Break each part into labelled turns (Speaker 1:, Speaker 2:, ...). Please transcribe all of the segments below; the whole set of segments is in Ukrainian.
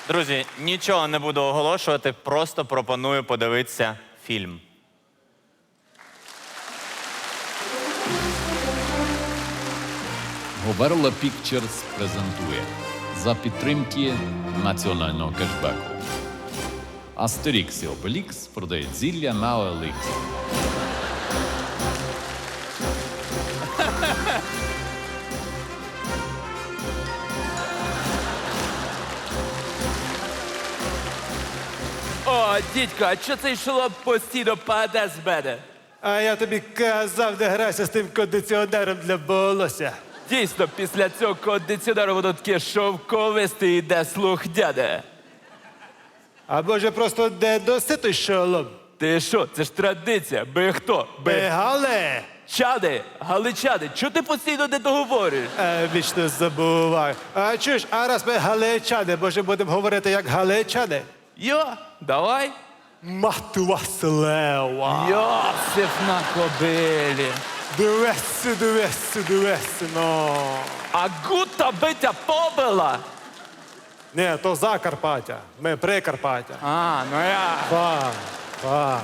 Speaker 1: Друзі, нічого не буду оголошувати, просто пропоную подивитися фільм.
Speaker 2: Говерла Pictures презентує за підтримки національного кешбеку. Астерікс і Обелікс продають зілля на OLX.
Speaker 3: О, дідько, а чого цей шолом постійно паде з мене?
Speaker 4: А я тобі казав, не грайся з тим кондиціонером для волосся.
Speaker 3: Дійсно, після цього кондиціонеру воно таке шовковисте і йде слухняне.
Speaker 4: Або ж просто не доситий шолом.
Speaker 3: Ти що, це ж традиція. Ми хто?
Speaker 4: Бегале!
Speaker 3: Чади, галичани, чого ти постійно не договорюєш?
Speaker 4: Вічно забуваю. А чуєш, а раз ми галичани, може будемо говорити як галичани?
Speaker 3: Йо, давай.
Speaker 4: Мати вас лева!
Speaker 3: Йосиф на кобилі.
Speaker 4: Дивись, ну.
Speaker 3: А гута битя побила.
Speaker 4: Ні, то Закарпаття. Ми Прикарпаття.
Speaker 3: А, ну я.
Speaker 4: Фа.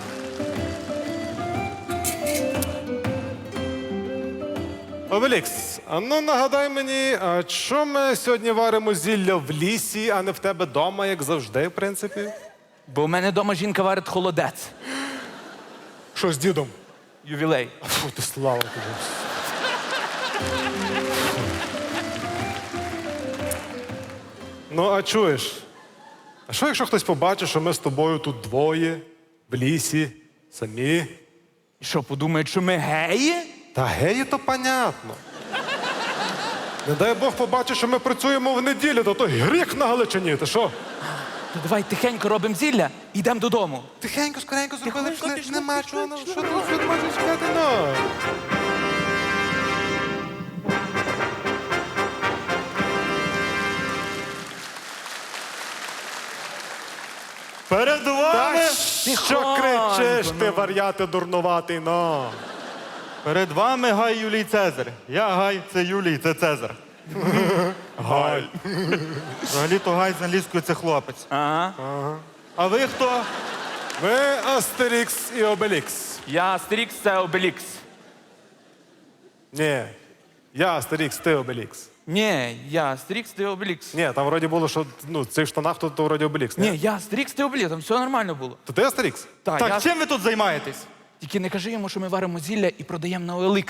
Speaker 4: Обелікс, а ну нагадай мені, а чому ми сьогодні варимо зілля в лісі, а не в тебе вдома, як завжди, в принципі?
Speaker 3: Бо в мене вдома жінка варить холодець.
Speaker 4: Що з дідом?
Speaker 3: Ювілей.
Speaker 4: Фу, ти слава тобі. Ну, а чуєш? А що, якщо хтось побачить, що ми з тобою тут двоє, в лісі, самі?
Speaker 3: І що, подумають, що ми геї?
Speaker 4: Та геї, то понятно. Не дай Бог побачить, що ми працюємо в неділю, то гріх на Галичині, ти що?
Speaker 3: То давай тихенько робимо зілля і йдемо додому.
Speaker 4: Тихенько, скоренько зробили,
Speaker 3: Тихенько,
Speaker 4: пішли,
Speaker 3: пішли,
Speaker 4: нема
Speaker 3: пішли,
Speaker 4: чого,
Speaker 3: пішли.
Speaker 4: що тут можна чекати, ну.
Speaker 5: Перед вами,
Speaker 4: Та що кричиш, ти вар'яти дурнуватий, ну.
Speaker 5: перед вами Гай Юлій Цезар. Я Гай, це Юлій, це Цезар.
Speaker 4: Гай.
Speaker 5: Взагалі-то Гай з англійською це хлопець.
Speaker 3: Ага.
Speaker 5: А ви хто?
Speaker 4: Ми Астерікс і Обелікс.
Speaker 3: Я Астерікс, це Обелікс.
Speaker 4: Ні, я Астерікс, ти Обелікс.
Speaker 3: Ні, я Астерікс, ти Обелікс.
Speaker 4: Ні, там вроді було, що ну, в цих штанах то вроді Обелікс.
Speaker 3: Ні, я Астерікс, ти Обелікс, там все нормально було.
Speaker 4: То ти Астерікс?
Speaker 3: Так,
Speaker 5: Так,
Speaker 3: я...
Speaker 5: чим ви тут займаєтесь?
Speaker 3: Тільки не кажи йому, що ми варимо зілля і продаємо на OLX.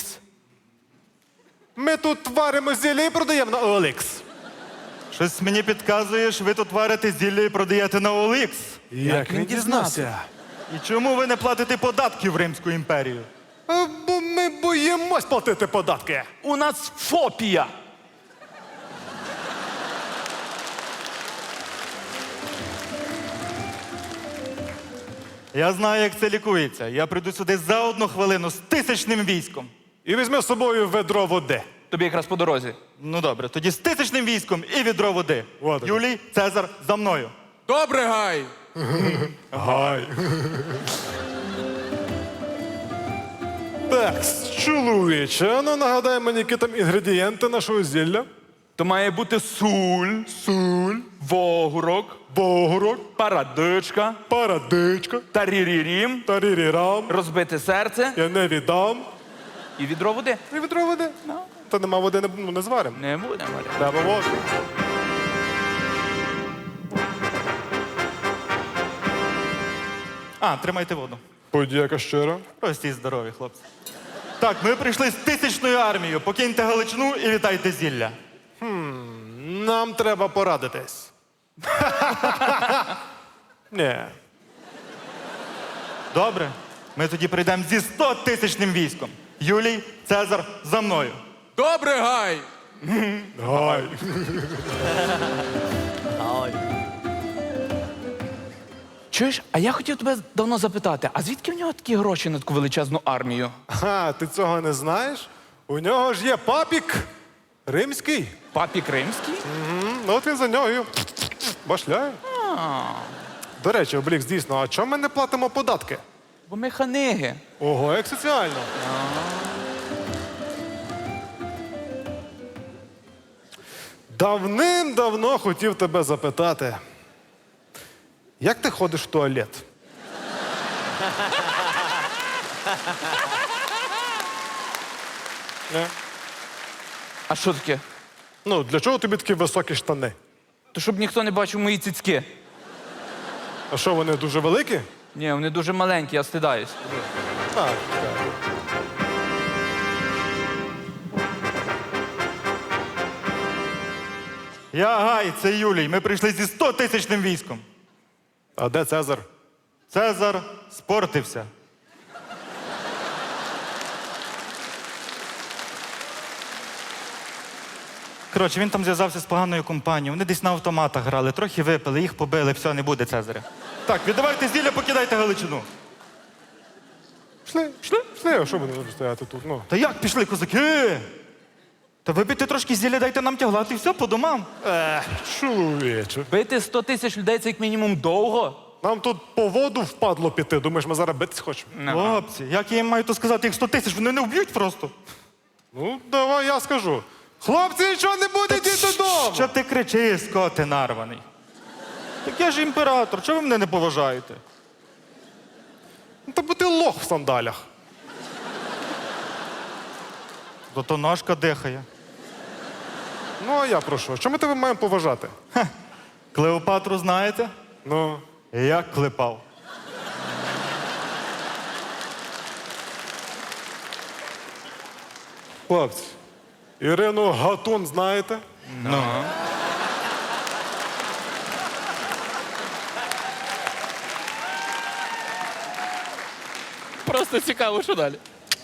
Speaker 4: Ми тут варимо зілля і продаємо на OLX.
Speaker 5: Щось мені підказує, що ви тут варите зілля і продаєте на OLX.
Speaker 4: Як
Speaker 3: він дізнався?
Speaker 5: І чому ви не платите податки в Римську імперію?
Speaker 4: Бо ми боїмось платити податки.
Speaker 3: У нас фобія.
Speaker 5: Я знаю, як це лікується. Я прийду сюди за 1 хвилину з 1000 військом.
Speaker 4: І візьми з собою ведро води.
Speaker 3: Тобі якраз по дорозі.
Speaker 5: Ну добре, тоді з 1000 військом і відро води.
Speaker 4: От так.
Speaker 5: Юлій, Цезар, за мною.
Speaker 3: Добре, Гай.
Speaker 4: Гай. Так, чоловіче, ну нагадай мені, які там інгредієнти нашого зілля.
Speaker 3: То має бути суль, вогурок,
Speaker 4: Богорок,
Speaker 3: парадичка,
Speaker 4: парадичка,
Speaker 3: тарірірім,
Speaker 4: тарірірам,
Speaker 3: розбите серце
Speaker 4: я не віддам.
Speaker 3: і відро води.
Speaker 4: І відро води. Та нема води, не зваримо.
Speaker 3: Не будемо.
Speaker 4: Треба воду.
Speaker 5: А, тримайте воду.
Speaker 4: Подяка щиро.
Speaker 5: Прості здорові, хлопці. Так, ми прийшли з 1000 армією. Покиньте Галичину і вітайте зілля.
Speaker 4: Нам треба порадитись. Ні.
Speaker 5: Добре. Ми тоді прийдемо зі 100 000 військом. Юлій, Цезар, за мною.
Speaker 3: Добре, Гай.
Speaker 4: Гай.
Speaker 3: Чуєш, а я хотів тебе давно запитати, а звідки в нього такі гроші на таку величезну армію?
Speaker 4: Ха, ти цього не знаєш? У нього ж є папік римський.
Speaker 3: Папік римський?
Speaker 4: Ну от він за нього і башляє. До речі, Облікс, дійсно, а чому ми не платимо податки?
Speaker 3: Бо ми ханиги.
Speaker 4: Ого, як соціально. Давним-давно хотів тебе запитати. як ти ходиш в туалет? Не?
Speaker 3: А що таке?
Speaker 4: Ну, для чого тобі такі високі штани?
Speaker 3: То щоб ніхто не бачив мої цицьки.
Speaker 4: А що, вони дуже великі?
Speaker 3: Ні, вони дуже маленькі, я стидаюсь.
Speaker 4: Так.
Speaker 5: Я Гай, це Юлій. Ми прийшли зі 100-тисячним військом.
Speaker 4: А де Цезар?
Speaker 5: Цезар спортився. Коротше, він там зв'язався з поганою компанією. Вони десь на автоматах грали, трохи випили, їх побили, все, не буде Цезаря. Так, віддавайте зілля, покидайте Галичину.
Speaker 4: Пішли, а що будемо стояти тут? Ну.
Speaker 5: Та як пішли, козаки? Та випийте трошки зілля, дайте нам тяглати, і все, по домам.
Speaker 4: Чоловіче.
Speaker 3: Бити 100 тисяч людей це як мінімум довго.
Speaker 4: Нам тут по воду впадло піти. Думаєш, ми зараз битись хочемо?
Speaker 5: Хлопці, як я їм маю то сказати, їх 100 тисяч, вони не вб'ють просто.
Speaker 4: Ну, давай я скажу. Хлопці, нічого не буде, йдіть додому!
Speaker 5: Що ти кричиш, скоти нарваний? Так я ж імператор, чого ви мене не поважаєте?
Speaker 4: Ну, та бо ти лох в сандалях.
Speaker 5: Зато ножка дихає.
Speaker 4: Ну, а я про що? Що ми тебе маємо поважати?
Speaker 5: Клеопатру знаєте?
Speaker 4: Ну,
Speaker 5: Як клепав.
Speaker 4: хлопці, Ірину Гатун знаєте?
Speaker 3: Просто цікаво, що далі.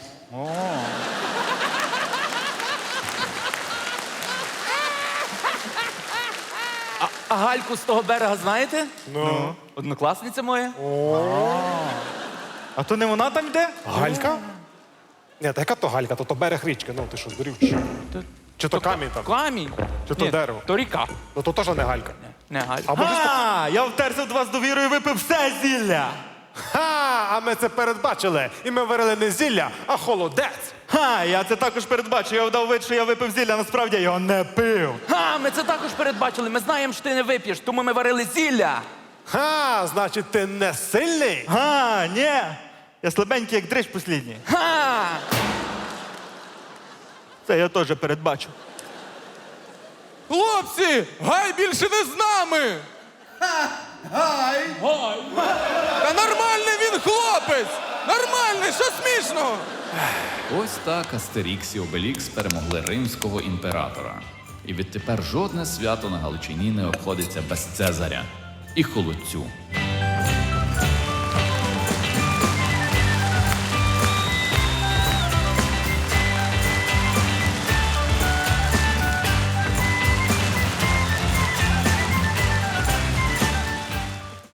Speaker 3: А Гальку з того берега знаєте?
Speaker 4: Ну.
Speaker 3: Однокласниця моя.
Speaker 5: А то не вона там йде?
Speaker 4: Галька? Ні, та яка то галька, то берег річки. Ну, ти що, здурів? Чи що? Чи то камінь там?
Speaker 3: Камінь.
Speaker 4: Чи то
Speaker 3: Ні,
Speaker 4: дерево?
Speaker 3: То ріка.
Speaker 4: Ну, то теж не галька.
Speaker 3: Не Галька.
Speaker 4: А може...
Speaker 5: Я втерся до вас довірою і випив все зілля.
Speaker 4: Ха! А ми це передбачили. І ми варили не зілля, а холодець.
Speaker 5: Я це також передбачив. Я вдав вид, що я випив зілля, насправді я його не пив.
Speaker 3: Ми це також передбачили. Ми знаємо, що ти не вип'єш, тому ми варили зілля.
Speaker 4: Ха! Значить, ти не сильний?
Speaker 5: Ні. Я слабенький, як дрищ послідній. Це я теж передбачив.
Speaker 6: Хлопці, Гай більше не з нами! Гай! Та нормальний він хлопець! Нормальний, що смішного?
Speaker 2: Ось так Астерікс і Обелікс перемогли римського імператора. І відтепер жодне свято на Галичині не обходиться без Цезаря і холодцю.